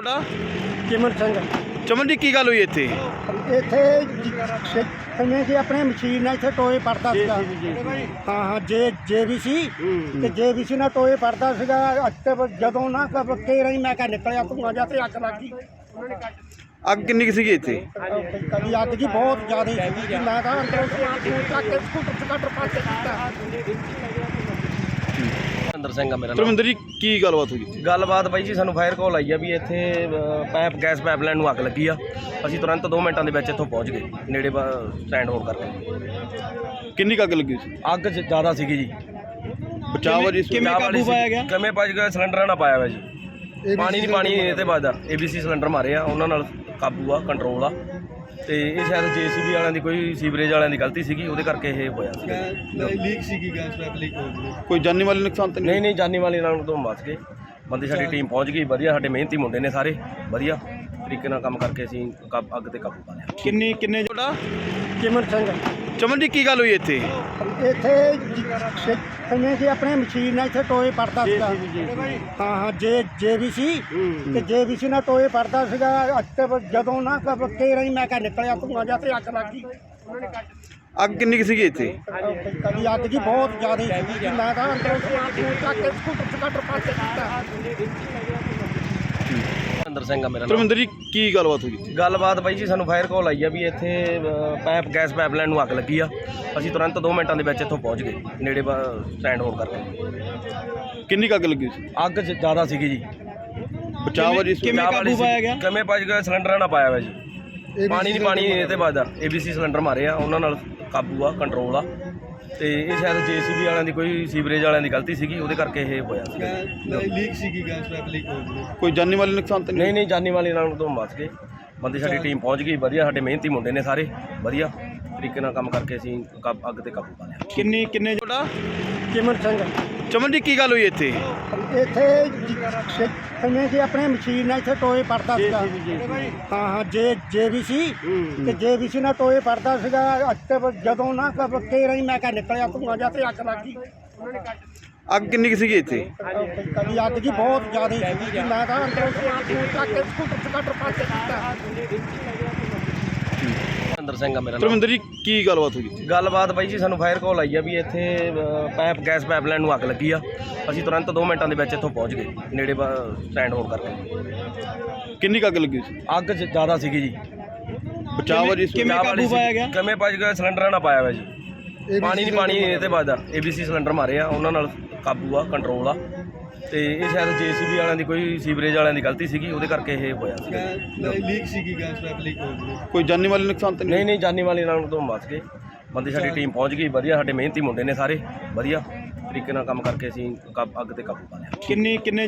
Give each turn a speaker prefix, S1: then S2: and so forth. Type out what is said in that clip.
S1: ਤੁਹਾਡਾ
S2: ਚਿਮਨ ਸਿੰਘ
S1: ਚਮਨ ਜੀ ਕੀ ਗੱਲ ਹੋਈ ਇੱਥੇ?
S2: ਇੱਥੇ ਜਿਵੇਂ ਕਿ ਆਪਣੇ ਮਸ਼ੀਨ ਨਾਲ ਇੱਥੇ ਟੋਏ ਪੜਦਾ ਸੀਗਾ। ਹਾਂ JVC ਤੇ JVC ਨਾਲ ਟੋਏ ਪੜਦਾ ਸੀਗਾ। ਅੱਤੇ ਜਦੋਂ ਨਾ ਕੇਰਾਂ ਹੀ ਮੈਂ ਕਿਹਾ ਨਿਕਲਿਆ ਧੂੰਆਂ ਜਿਹਾ ਤੇ ਅੱਗ ਲੱਗ ਗਈ।
S1: ਅੱਗ ਕਿੰਨੀ ਕੁ ਸੀਗੀ ਇੱਥੇ?
S2: ਕਦੀ ਅੱਗ ਜੀ ਬਹੁਤ ਜ਼ਿਆਦਾ ਸੀਗੀ ਜੀ। ਮੈਂ ਤਾਂ ਅੰਦਰੋਂ ਚੱਕ ਕੇ ਸਕੂਟਰ ਪਾਸੇ ਕੀਤਾ।
S3: ਧਰਮਿੰਦਰ ਸਿੰਘ ਆ ਮੇਰਾ ਨਾਮ।
S1: ਧਰਮਿੰਦਰ ਜੀ ਕੀ ਗੱਲਬਾਤ ਹੋਈ?
S3: ਗੱਲਬਾਤ ਬਾਈ ਜੀ ਸਾਨੂੰ ਫਾਇਰ ਕਾਲ ਆਈ ਆ ਵੀ ਇੱਥੇ ਗੈਸ ਪਾਈਪਲਾਈਨ ਨੂੰ ਅੱਗ ਲੱਗੀ ਆ। ਅਸੀਂ ਤੁਰੰਤ 2 ਮਿੰਟਾਂ ਦੇ ਵਿੱਚ ਇੱਥੋਂ ਪਹੁੰਚ ਗਏ ਨੇੜੇ ਸਟੈਂਡ ਹੋਣ ਕਰਕੇ।
S1: ਕਿੰਨੀ ਕੁ ਅੱਗ ਲੱਗੀ ਸੀ?
S3: ਅੱਗ ਜ਼ਿਆਦਾ ਸੀਗੀ ਜੀ।
S1: ਬਚਾਅ ਜੀ
S3: ਕਿਵੇਂ ਕਾਬੂ ਪਾਇਆ ਗਿਆ? ਕਿਵੇਂ ਭੱਜ ਗਿਆ? ਸਿਲੰਡਰਾਂ ਨਾਲ ਪਾਇਆ ਹੋਇਆ ਜੀ। ਪਾਣੀ ਇਹ ਤੇ ਵੱਜਦਾ। ABC ਸਿਲੰਡਰ ਮਾਰੇ ਆ, ਉਹਨਾਂ ਨਾਲ ਕਾਬੂ ਆ, ਕੰਟਰੋਲ ਆ। ਤੇ ਇਹ ਸ਼ਾਇਦ JCB ਵਾਲਿਆਂ ਦੀ ਕੋਈ ਸੀਵਰੇਜ ਵਾਲਿਆਂ ਦੀ ਗਲਤੀ ਸੀਗੀ, ਉਹਦੇ ਕਰਕੇ ਇਹ ਹੋਇਆ ਸੀ।
S2: ਲੀਕ ਸੀਗੀ ਗੈਸ ਪਾਈਪ ਲੀਕ ਹੋ ਗਈ।
S1: ਕੋਈ ਜਾਨੀ ਮਾਲੀ ਨੁਕਸਾਨ ਤਾਂ
S3: ਨਹੀਂ ਜਾਨੀ ਵਾਲੀ ਨਾਲ ਤੋਂ ਬਚ ਗਏ ਬੰਦੇ। ਸਾਡੀ ਟੀਮ ਪਹੁੰਚ ਗਈ ਵਧੀਆ। ਸਾਡੇ ਮਿਹਨਤੀ ਮੁੰਡੇ ਨੇ ਸਾਰੇ ਵਧੀਆ ਤਰੀਕੇ ਨਾਲ ਕੰਮ ਕਰਕੇ ਅਸੀਂ ਅੱਗ ਤੇ ਕਾਬੂ ਪਾ ਲਿਆ।
S1: ਕਿੰਨੇ ਤੁਹਾਡਾ
S2: ਚਿਮਨ ਸਿੰਘ
S1: ਚਮਨ ਜੀ ਕੀ ਗੱਲ ਹੋਈ ਇੱਥੇ?
S2: ਇੱਥੇ ਜਿਵੇਂ ਕਿ ਆਪਣੇ ਮਸ਼ੀਨ ਨਾਲ ਇੱਥੇ ਟੋਏ ਪੜਦਾ ਸੀਗਾ। ਹਾਂ JVC ਤੇ JVC ਨਾਲ ਟੋਏ ਪੜਦਾ ਸੀਗਾ। ਅੱਤੇ ਜਦੋਂ ਨਾ ਕੇਰਾਂ ਹੀ ਮੈਂ ਕਿਹਾ ਨਿਕਲਿਆ ਧੂੰਆਂ ਜਿਹਾ ਤੇ ਅੱਗ ਲੱਗ ਗਈ।
S1: ਅੱਗ ਕਿੰਨੀ ਕੁ ਸੀਗੀ ਇੱਥੇ?
S2: ਕਦੀ ਅੱਗ ਜੀ ਬਹੁਤ ਜ਼ਿਆਦਾ ਸੀਗੀ ਜੀ। ਮੈਂ ਤਾਂ ਅੰਦਰੋਂ ਚੱਕ ਕੇ ਸਕੂਟਰ ਪਾਸੇ ਕੀਤਾ।
S3: ਧਰਮਿੰਦਰ ਸਿੰਘ ਆ ਮੇਰਾ ਨਾਮ।
S1: ਧਰਮਿੰਦਰ ਜੀ ਕੀ ਗੱਲਬਾਤ ਹੋਈ?
S3: ਗੱਲਬਾਤ ਬਾਈ ਜੀ ਸਾਨੂੰ ਫਾਇਰ ਕਾਲ ਆਈ ਆ ਵੀ ਇੱਥੇ ਗੈਸ ਪਾਈਪਲਾਈਨ ਨੂੰ ਅੱਗ ਲੱਗੀ ਆ। ਅਸੀਂ ਤੁਰੰਤ 2 ਮਿੰਟਾਂ ਦੇ ਵਿੱਚ ਇੱਥੋਂ ਪਹੁੰਚ ਗਏ ਨੇੜੇ ਸਟੈਂਡ ਹੋਣ ਕਰਕੇ।
S1: ਕਿੰਨੀ ਕੁ ਅੱਗ ਲੱਗੀ ਸੀ?
S3: ਅੱਗ ਜ਼ਿਆਦਾ ਸੀਗੀ ਜੀ।
S1: ਬਚਾਅ ਜੀ
S3: ਕਿਵੇਂ ਕਾਬੂ ਪਾਇਆ ਗਿਆ? ਕਿਵੇਂ ਭੱਜ ਗਿਆ? ਸਿਲੰਡਰਾਂ ਨਾਲ ਪਾਇਆ ਹੋਇਆ ਜੀ। ਪਾਣੀ ਇਹ ਤੇ ਵੱਜਦਾ। ABC ਸਿਲੰਡਰ ਮਾਰੇ ਆ, ਉਹਨਾਂ ਨਾਲ ਕਾਬੂ ਆ, ਕੰਟਰੋਲ ਆ। ਤੇ ਇਹ ਸ਼ਾਇਦ JCB ਵਾਲਿਆਂ ਦੀ ਕੋਈ ਸੀਵਰੇਜ ਵਾਲਿਆਂ ਦੀ ਗਲਤੀ ਸੀਗੀ, ਉਹਦੇ ਕਰਕੇ ਇਹ ਹੋਇਆ ਸੀ।
S2: ਲੀਕ ਸੀਗੀ ਗੈਸ ਪਾਈਪ ਲੀਕ ਹੋ ਗਈ।
S1: ਕੋਈ ਜਾਨੀ ਮਾਲੀ ਨੁਕਸਾਨ ਤਾਂ
S3: ਨਹੀਂ ਜਾਨੀ ਵਾਲੀ ਨਾਲ ਤੋਂ ਬਚ ਗਏ ਬੰਦੇ। ਸਾਡੀ ਟੀਮ ਪਹੁੰਚ ਗਈ ਵਧੀਆ। ਸਾਡੇ ਮਿਹਨਤੀ ਮੁੰਡੇ ਨੇ ਸਾਰੇ ਵਧੀਆ ਤਰੀਕੇ ਨਾਲ ਕੰਮ ਕਰਕੇ ਅਸੀਂ ਅੱਗ ਤੇ ਕਾਬੂ ਪਾ ਲਿਆ।
S1: ਕਿੰਨੇ ਤੁਹਾਡਾ
S2: ਚਿਮਨ ਸਿੰਘ
S1: ਚਮਨ ਜੀ ਕੀ ਗੱਲ ਹੋਈ ਇੱਥੇ?
S2: ਇੱਥੇ ਜਿਵੇਂ ਕਿ ਆਪਣੇ ਮਸ਼ੀਨ ਨਾਲ ਇੱਥੇ ਟੋਏ ਪੜਦਾ ਸੀਗਾ। ਹਾਂ JVC ਤੇ JVC ਨਾਲ ਟੋਏ ਪੜਦਾ ਸੀਗਾ। ਅੱਤੇ ਜਦੋਂ ਨਾ ਕੇਰਾਂ ਹੀ ਮੈਂ ਕਿਹਾ ਨਿਕਲਿਆ ਧੂੰਆਂ ਜਿਹਾ ਤੇ ਅੱਗ ਲੱਗ ਗਈ।
S1: ਅੱਗ ਕਿੰਨੀ ਕੁ ਸੀਗੀ ਇੱਥੇ?
S2: ਕਦੀ ਅੱਗ ਜੀ ਬਹੁਤ ਜ਼ਿਆਦਾ ਸੀਗੀ ਜੀ। ਮੈਂ ਤਾਂ ਅੰਦਰੋਂ ਚੱਕ ਕੇ ਸਕੂਟਰ ਪਾਸੇ ਕੀਤਾ।
S3: ਧਰਮਿੰਦਰ ਸਿੰਘ ਆ ਮੇਰਾ ਨਾਮ।
S1: ਧਰਮਿੰਦਰ ਜੀ ਕੀ ਗੱਲਬਾਤ ਹੋਈ?
S3: ਗੱਲਬਾਤ ਬਾਈ ਜੀ ਸਾਨੂੰ ਫਾਇਰ ਕਾਲ ਆਈ ਆ ਵੀ ਇੱਥੇ ਗੈਸ ਪਾਈਪਲਾਈਨ ਨੂੰ ਅੱਗ ਲੱਗੀ ਆ। ਅਸੀਂ ਤੁਰੰਤ 2 ਮਿੰਟਾਂ ਦੇ ਵਿੱਚ ਇੱਥੋਂ ਪਹੁੰਚ ਗਏ ਨੇੜੇ ਸਟੈਂਡ ਹੋਣ ਕਰਕੇ।
S1: ਕਿੰਨੀ ਕੁ ਅੱਗ ਲੱਗੀ ਸੀ?
S3: ਅੱਗ ਜ਼ਿਆਦਾ ਸੀਗੀ ਜੀ।
S1: ਬਚਾਅ ਜੀ
S3: ਕਿਵੇਂ ਕਾਬੂ ਪਾਇਆ ਗਿਆ? ਕਿਵੇਂ ਭੱਜ ਗਿਆ? ਸਿਲੰਡਰਾਂ ਨਾਲ ਪਾਇਆ ਹੋਇਆ ਜੀ। ਪਾਣੀ ਇਹ ਤੇ ਵੱਜਦਾ। ABC ਸਿਲੰਡਰ ਮਾਰੇ ਆ, ਉਹਨਾਂ ਨਾਲ ਕਾਬੂ ਆ, ਕੰਟਰੋਲ ਆ। ਤੇ ਇਹ ਸ਼ਾਇਦ JCB ਵਾਲਿਆਂ ਦੀ ਕੋਈ ਸੀਵਰੇਜ ਵਾਲਿਆਂ ਦੀ ਗਲਤੀ ਸੀਗੀ, ਉਹਦੇ ਕਰਕੇ ਇਹ ਹੋਇਆ ਸੀ।
S2: ਲੀਕ ਸੀਗੀ ਗੈਸ ਪਾਈਪ ਲੀਕ ਹੋ ਗਈ।
S1: ਕੋਈ ਜਾਨੀ ਮਾਲੀ ਨੁਕਸਾਨ ਤਾਂ
S3: ਨਹੀਂ ਜਾਨੀ ਵਾਲੀ ਨਾਲ ਤੋਂ ਬਚ ਗਏ ਬੰਦੇ। ਸਾਡੀ ਟੀਮ ਪਹੁੰਚ ਗਈ ਵਧੀਆ। ਸਾਡੇ ਮਿਹਨਤੀ ਮੁੰਡੇ ਨੇ ਸਾਰੇ ਵਧੀਆ ਤਰੀਕੇ ਨਾਲ ਕੰਮ ਕਰਕੇ ਅਸੀਂ ਅੱਗ ਤੇ ਕਾਬੂ ਪਾ ਲਿਆ।
S1: ਕਿੰਨੇ